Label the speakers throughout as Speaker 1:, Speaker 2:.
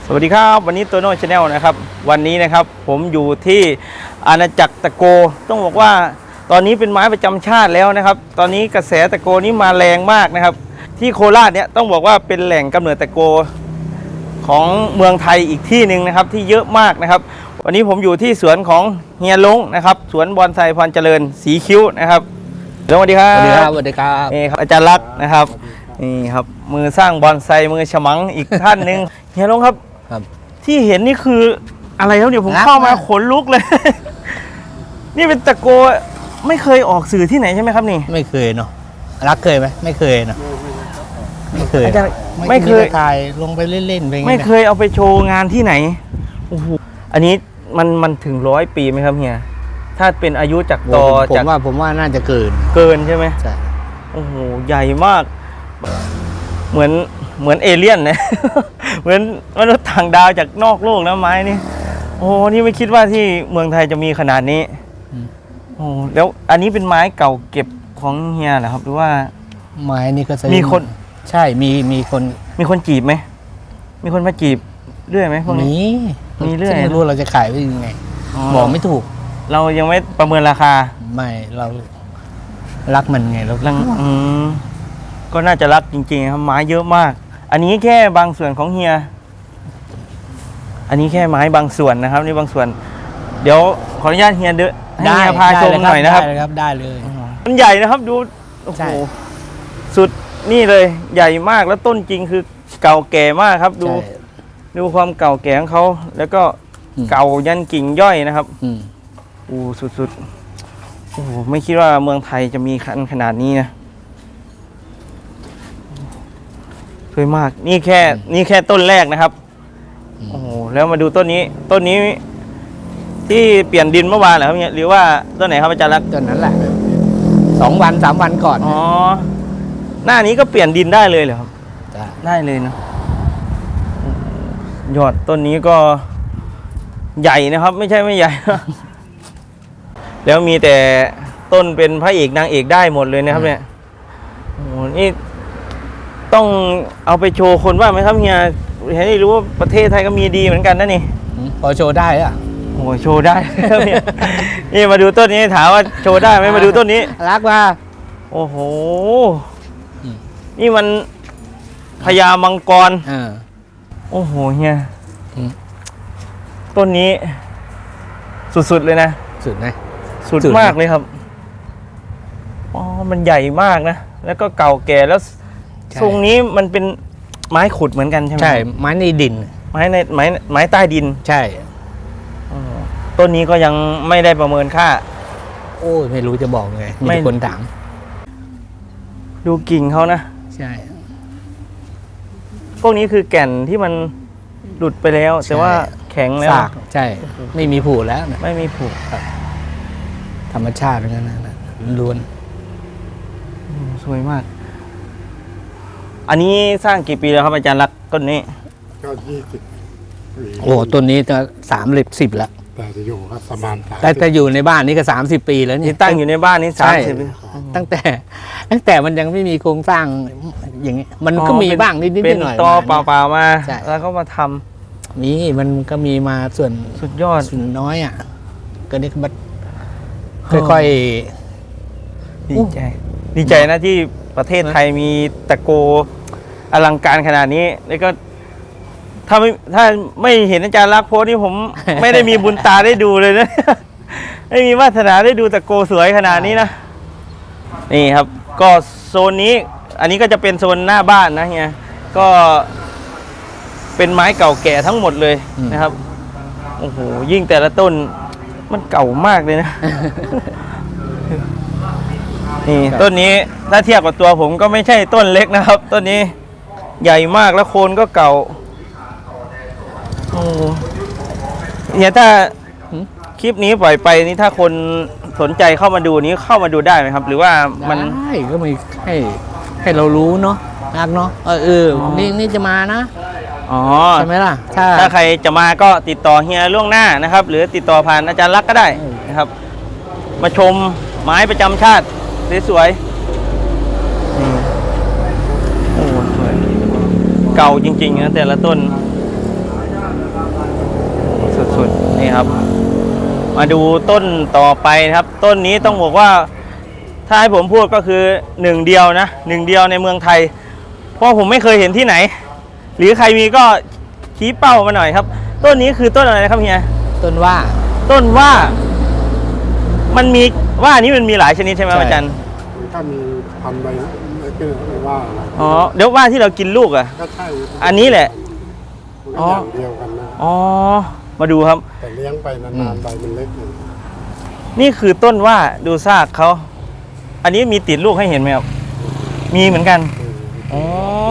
Speaker 1: สวัสดีครับวันนี้โตโน่ชาแนลนะครับวันนี้นะครับผมอยู่ที่อาณาจักรตะโกต้องบอกว่าตอนนี้เป็นไม้ประจำชาติแล้วนะครับตอนนี้กระแสตะโกนี้มาแรงมากนะครับที่โคราชเนี่ยต้องบอกว่าเป็นแหล่งกำเนิดตะโกของเมืองไทยอีกที่หนึ่งนะครับที่เยอะมากนะครับวันนี้ผมอยู่ที่สวนของเฮียลงนะครับสวนบอนไซพรเจริญสีคิ้วนะครับสวัสดีครับ
Speaker 2: สวัสดีครับสวัสดีครับ
Speaker 1: นี่ครับอาจารย์รักษ์นะครับนี่ครับมือสร้างบอนไซมือฉมังอีกท่านหนึ่งเฮียลงครับที่เห็นนี่คืออะไรแล้วเดี๋ยวผมเข้ามาขนลุกเลย นี่เป็นตะโกไม่เคยออกสื่อที่ไหนใช่ไหมครับนี่
Speaker 2: ไม่เคยเนาะรักเคยไหมไม่เคยเนาะไม่เคย
Speaker 1: อาจารย์
Speaker 2: ไม่เคยถ่ายลงไปเล่นๆไปไง
Speaker 1: ไม่เคยเอาไปโชว์งานที่ไหนโอ้โหอันนี้มันถึง100 ปีไหมครับเฮียถ้าเป็นอายุจากตอจาก
Speaker 2: ผมว่าน่าจะเกิน
Speaker 1: ใช่ไหม
Speaker 2: ใช่
Speaker 1: โอ้โหใหญ่มากเหมือนเอเลี่ยนนะ เหมือนมนุษย์ต่างดาวจากนอกโลกนะไม้นี่โอ้นี่ไม่คิดว่าที่เมืองไทยจะมีขนาดนี้โอ้แล้วอันนี้เป็นไม้เก่าเก็บของเฮียเหรอครับหรือว่า
Speaker 2: ไม้นี่ก็
Speaker 1: มีคน
Speaker 2: ใช่มี
Speaker 1: คนจีบไหมมีคนมาจีบเรื่อยไหมพวกนี้มีเรื่อย
Speaker 2: ไม่รู้เราจะขายไปยังไงบอกไม่ถูก
Speaker 1: เรายังไม่ประเมินราคา
Speaker 2: ไม่เรารักมันไงเรา
Speaker 1: ก็น่าจะรักจริงๆครับไม้เยอะมากอันนี้แค่บางส่วนของเฮียอันนี้แค่ไม้บางส่วนนะครับนี่บางส่วนเดี๋ยวขออนุญาตเฮียเดินให้เฮียพาชมหน่อยนะครับ
Speaker 2: ได้เลย
Speaker 1: มันใหญ่นะครับดูโอ้โหสุดนี่เลยใหญ่มากแล้วต้นจริงคือเก่าแก่มากครับดูความเก่าแก่ของเขาแล้วก็เก่ายันกิ่งย่อยนะครับสุดๆโอ้โหไม่คิดว่าเมืองไทยจะมีขนาดนี้นะสวยมากนี่แค่ต้นแรกนะครับโอ้โหแล้วมาดูต้นนี้ที่เปลี่ยนดินเมื่อวานเหรอครับเนี่ยหรือว่าต้นไหนครับอาจารย์รัก
Speaker 2: ต้นนั้นแหละ2 วัน 3 วันก่อน
Speaker 1: อ๋อหน้านี้ก็เปลี่ยนดินได้เลยเหรอครับได้เลยนะยอดต้นนี้ก็ใหญ่นะครับไม่ใช่ไม่ใหญ่ แล้วมีแต่ต้นเป็นพระเอกนางเอกได้หมดเลยนะครับเนี่ยโอ้โหนี่ต้องเอาไปโชว์คนว่าไหมครับเฮียให้รู้ว่าประเทศไทยก็มีดีเหมือนกันนะนี่
Speaker 2: พอโชว์ได้อะ
Speaker 1: โอ้โชว์ได้ นี่มาดูต้นนี้ถามว่าโชว์ได้ไหมมาดูต้นนี้
Speaker 2: รักว่า
Speaker 1: โอ้โหนี่มันพญามังกรโอ้โหเฮียต้นนี้สุดๆเลยนะ
Speaker 2: สุดไหม
Speaker 1: สุดมากเลยครับอ๋อมันใหญ่มากนะแล้วก็เก่าแก่แล้วทรงนี้มันเป็นไม้ขุดเหมือนกันใช่ไหม
Speaker 2: ใช่ไม้ในดิน
Speaker 1: ไม้ใต้ดิน
Speaker 2: ใช่
Speaker 1: ต้นนี้ก็ยังไม่ได้ประเมินค่า
Speaker 2: โอ้ยไม่รู้จะบอกไงมีคนถาม
Speaker 1: ดูกิ่งเขานะ
Speaker 2: ใช่
Speaker 1: พวกนี้คือแก่นที่มันหลุดไปแล้วแต่ว่าแข็งแล้ว
Speaker 2: ใช่ไม่มีผูแล้ว
Speaker 1: ไม่มีผู
Speaker 2: ครับธรรมชาติเหมือนกันนะล้วน
Speaker 1: สวยมากอันนี้สร้างกี่ปีแล้วครับอาจารย์รักต้นนี้
Speaker 3: ก็20 ปี
Speaker 2: โอ้ต้นนี้จะ30 แล้ว
Speaker 3: แต่จะอยู่ก็ประมาณ
Speaker 2: แต่อยู่ในบ้านนี้ก็30 ปีแล้วนี่
Speaker 1: ตั้งอยู่ในบ้านนี้30 ปี
Speaker 2: ตั้งแต่มันยังไม่มีโครงสร้างอย่างนี้มันก็มีบ้างนิดหน่อย
Speaker 1: เป็นตอเปล่าๆมาแล้วก็มาท
Speaker 2: ำมีมันก็มีมาส่วน
Speaker 1: สุดยอด
Speaker 2: ส่วนน้อยอ่ะก็นี่มันค่อย
Speaker 1: ๆดีใจนะที่ประเทศไทยมีตะโกอลังการขนาดนี้แล้วก็ถ้าไม่เห็นอาจารย์รักโพสนี่ผม ไม่ได้มีบุญตาได้ดูเลยนะ ไม่มีวาสนาได้ดูตะโกสวยขนาดนี้นะนี่ครับก็โซนนี้อันนี้ก็จะเป็นโซนหน้าบ้านนะเฮียก็เป็นไม้เก่าแก่ทั้งหมดเลยนะครับโอ้โหยิ่งแต่ละต้นมันเก่ามากเลยนะ นี่ต้นนี้ถ้าเทียบกับตัวผมก็ไม่ใช่ต้นเล็กนะครับต้นนี้ใหญ่มากแล้วโคนก็เก่าโอ้เนี่ยถ้าคลิปนี้ปล่อยไปนี่ถ้าคนสนใจเข้ามาดูนี้เข้ามาดูได้ไหมครับหรือว่ามัน
Speaker 2: ได้ก็มีให้เรารู้เนาะรักเนาะนี่จะมานะใช่ไหมล่ะ
Speaker 1: ถ้าใครจะมาก็ติดต่อเฮียล่วงหน้านะครับหรือติดต่อผ่านอาจารย์รักก็ได้นะครับมาชมไม้ประจำชาติสวยโอ้สวยเก่าจริงๆนะแต่ละต้นนี่ครับ มาดูต้นต่อไปนะครับ ต้นนี้ต้องบอกว่า ถ้าให้ผมพูดก็คือหนึ่งเดียวนะหนึ่งเดียวในเมืองไทย เพราะผมไม่เคยเห็นที่ไหน หรือใครมีก็ชี้เป้ามาหน่อยครับ ต้นนี้คือต้นอะไรนะครับเฮีย
Speaker 2: ต้นว่า
Speaker 1: ต้นว่ามันมีว่านี้มันมีหลายชนิดใช่ไหม
Speaker 2: ใช่
Speaker 1: อาจารย์
Speaker 3: ถ้ามีพันใบไม่ก็ว่านะ
Speaker 1: อ๋อเดี๋ยวว่าที่เรากินลูกอ่ะ
Speaker 3: ก็ใช่
Speaker 1: อันนี้แหละ
Speaker 3: มันก็อย่างเดียวกันนะ
Speaker 1: อ๋อมาดูครับ
Speaker 3: แต่เลี้ยงไปนานๆใบมันเล็กอยู่
Speaker 1: นี่คือต้นว่าดูซากเขาอันนี้มีติดลูกให้เห็นไหมครับมีเหมือนกันอ๋อ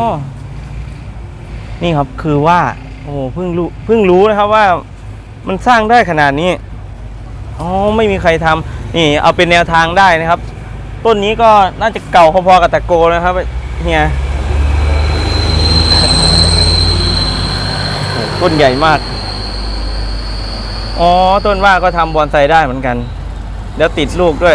Speaker 1: นี่ครับคือว่าโอ้เพิ่งรู้นะครับว่ามันสร้างได้ขนาดนี้อ๋อไม่มีใครทำนี่เอาเป็นแนวทางได้นะครับ ต้นนี้ก็น่าจะเก่าพอๆกับตะโกนะครับเฮียโอ้ต้นใหญ่มากอ๋อต้นว่าก็ทำบอนไซได้เหมือนกันแล้วติดลูกด้วย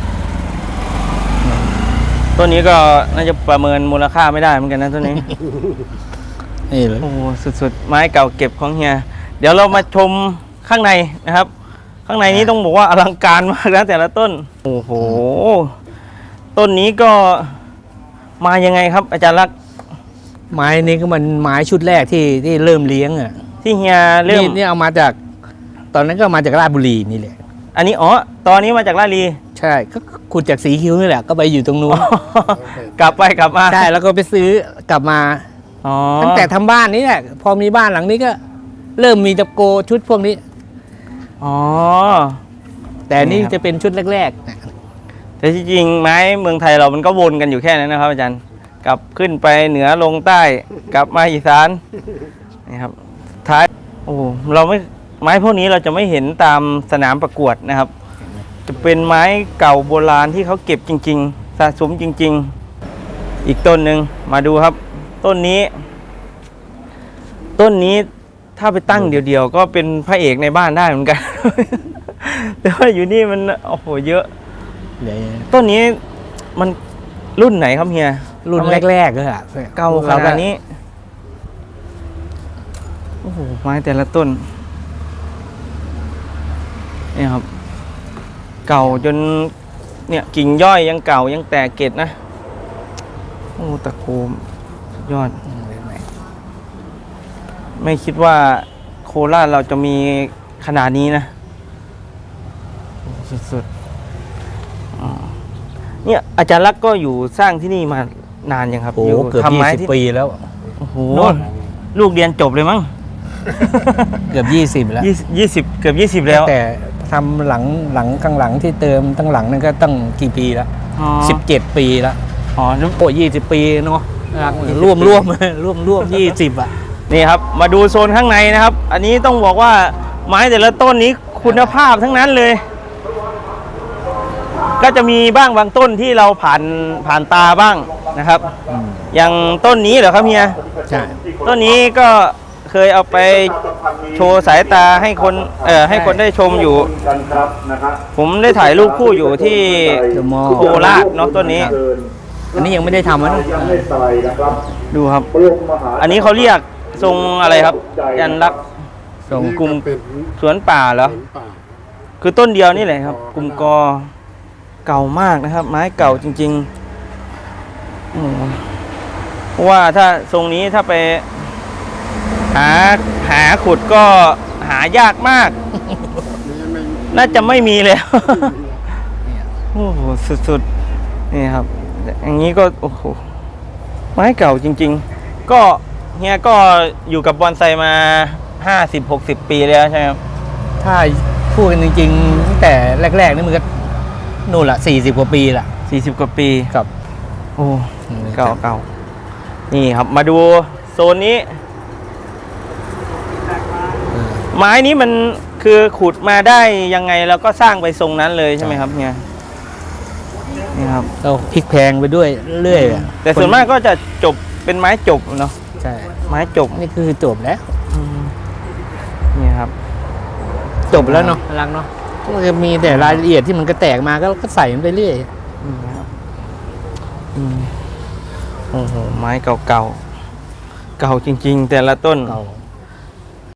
Speaker 1: ต้นนี้ก็น่าจะประเมินมูลค่าไม่ได้เหมือนกันนะต้นนี้
Speaker 2: นี่เลย
Speaker 1: โอ้สุดๆไม้เก่าเก็บของเฮียเดี๋ยวเรามาชมข้างในนะครับ ข้างในนี้ต้องบอกว่าอลังการมากนะแต่ละต้นโอ้โหต้นนี้ก็มายังไงครับ อาจารย์ลักษณ์
Speaker 2: ไม้นี้ก็มันไม้ชุดแรกที่เริ่มเลี้ยงอ่ะ
Speaker 1: ที่เฮียเริ่ม
Speaker 2: นี่เอามาจาก ตอนนั้นก็มาจากราชบุรีนี่แหละ
Speaker 1: อันนี้อ๋อตอนนี้มาจากลาดลี
Speaker 2: ใช่ก็ขุดจากสีคิ้วนี่แหละก็ไปอยู่ตรงนู้น
Speaker 1: กลับไปกลับมา
Speaker 2: ใช่แล้วก็ไปซื้อกลับมา
Speaker 1: อ๋อ
Speaker 2: ตั้งแต่ทำบ้านนี้แหละพอมีบ้านหลังนี้ก็ เริ่มมีตะโกชุดพวกนี้
Speaker 1: อ๋อ
Speaker 2: แต่อันนี่
Speaker 1: นี่ครับ
Speaker 2: จะเป็นชุดแรกๆนะ
Speaker 1: แต่ที่จริงไม้เมืองไทยเรามันก็วนกันอยู่แค่นั้นนะครับอาจารย์กลับขึ้นไปเหนือลงใต้กลับมาอีสานนี่ครับท้ายโอ้เราไม่ไม้พวกนี้เราจะไม่เห็นตามสนามประกวดนะครับ จะเป็นไม้เก่าโบราณที่เขาเก็บจริง ๆ สะสมจริง ๆ อีกต้นหนึ่งมาดูครับ ต้นนี้ถ้าไปตั้งเดี่ยวๆก็เป็นพระเอกในบ้านได้เหมือนกัน แต่ว่าอยู่นี่มันโอ้โหเยอะ
Speaker 2: เดี๋ยว
Speaker 1: ต้นนี้มันรุ่นไหนครับเฮีย
Speaker 2: รุ่นแรกๆก็อะ
Speaker 1: เก่าขนาดนี้โอ้โหไม้แต่ละต้นนี่ครับ เก่าจนเนี่ยกิ่งย่อยยังเก่ายังแตกเกล็ดนะโอ้ตะโกมสุดยอด ไม่คิดว่าโคราชเราจะมีขนาดนี้นะโอ้สุดๆเนี่ยอาจารย์ลักษณ์ก็อยู่สร้างที่นี่มานานยังครับ
Speaker 2: โอ้
Speaker 1: ยู่
Speaker 2: เกือบ
Speaker 1: ทำไม้
Speaker 2: 20 ปีแล้ว
Speaker 1: โอ้โห
Speaker 2: โน่น
Speaker 1: ลูกเรียนจบเลยมั้ง
Speaker 2: เกือบ20แล้ว
Speaker 1: 20เกือบ20แล้ว
Speaker 2: แต่ทำหลังข้างหลังที่เติมตั้งหลังนั่นก็ตั้งกี่ปีแล้ว
Speaker 1: อ๋อ
Speaker 2: 17 ปีแล้ว
Speaker 1: อ๋อแล้ว
Speaker 2: โอ้20 ปีเนาะร่วม20 อ่ะ
Speaker 1: นี่ครับ มาดูโซนข้างในนะครับ อันนี้ต้องบอกว่าไม้แต่ละต้นนี้คุณภาพทั้งนั้นเลย ก็จะมีบ้างบางต้นที่เราผ่านตาบ้างนะครับ อย่างต้นนี้เหรอครับเฮีย
Speaker 2: ใช่
Speaker 1: ต้นนี้ก็เคยเอาไปโชว์สายตาให้คนได้ชมอยู่ ผมได้ถ่ายรูปคู่อยู่ที่
Speaker 2: เดอะมอล
Speaker 1: โคราชเนาะต้นนี้
Speaker 2: อันนี้ยังไม่ได้ทำนะ
Speaker 1: ดูครับ อันนี้เขาเรียกทรงอะไรครับ ยันรักษณ์
Speaker 2: ตรง
Speaker 1: กลุ่ม
Speaker 3: เป็น
Speaker 1: สวนป่าเหรอ
Speaker 3: สวนป่า
Speaker 1: คือต้นเดียวนี่แหละครับ กลุ่มกอเก่ามากนะครับ ไม้เก่าจริงๆโอ้โหเพราะว่าถ้าทรงนี้ถ้าไปหาขุดก็หายากมาก
Speaker 3: นี่ไม่
Speaker 1: น่าจะไม่มีแล้ว โอ้โหสุดๆนี่ครับ อย่างนี้ก็โอ้โหไม้เก่าจริง ๆ ก็เฮียก็อยู่กับบอนไซมา50-60 ปีแล้วใช่ไหมครับ
Speaker 2: ถ้าพูดกันจริงๆตั้งแต่แรกๆนี่มันก็นู่นละ40 กว่าปีละ
Speaker 1: 40 กว่าปี
Speaker 2: กับ
Speaker 1: โอ้เก่านี่ครับมาดูโซนนี้ ไม้นี้มันคือขุดมาได้ยังไงแล้วก็สร้างไปทรงนั้นเลยใช่ไหมครับเนี่ยนี่ครับ
Speaker 2: เราพลิกแพงไปด้วยเรื่อยๆอะ
Speaker 1: แต่ส่วนมากก็จะจบเป็นไม้จบเนาะ
Speaker 2: ใช่
Speaker 1: ไม้จบ
Speaker 2: นี่คือจบแล้ว
Speaker 1: นี่ครับ
Speaker 2: จบแล้วเนาะรักเนาะมันจะมีแต่รายละเอียดที่มันก็แตกมาก็ใส่มันไปเรื่อย
Speaker 1: โอ้โหไม้เก่าๆเก่าจริง ๆ แต่ละต้น
Speaker 2: เก่า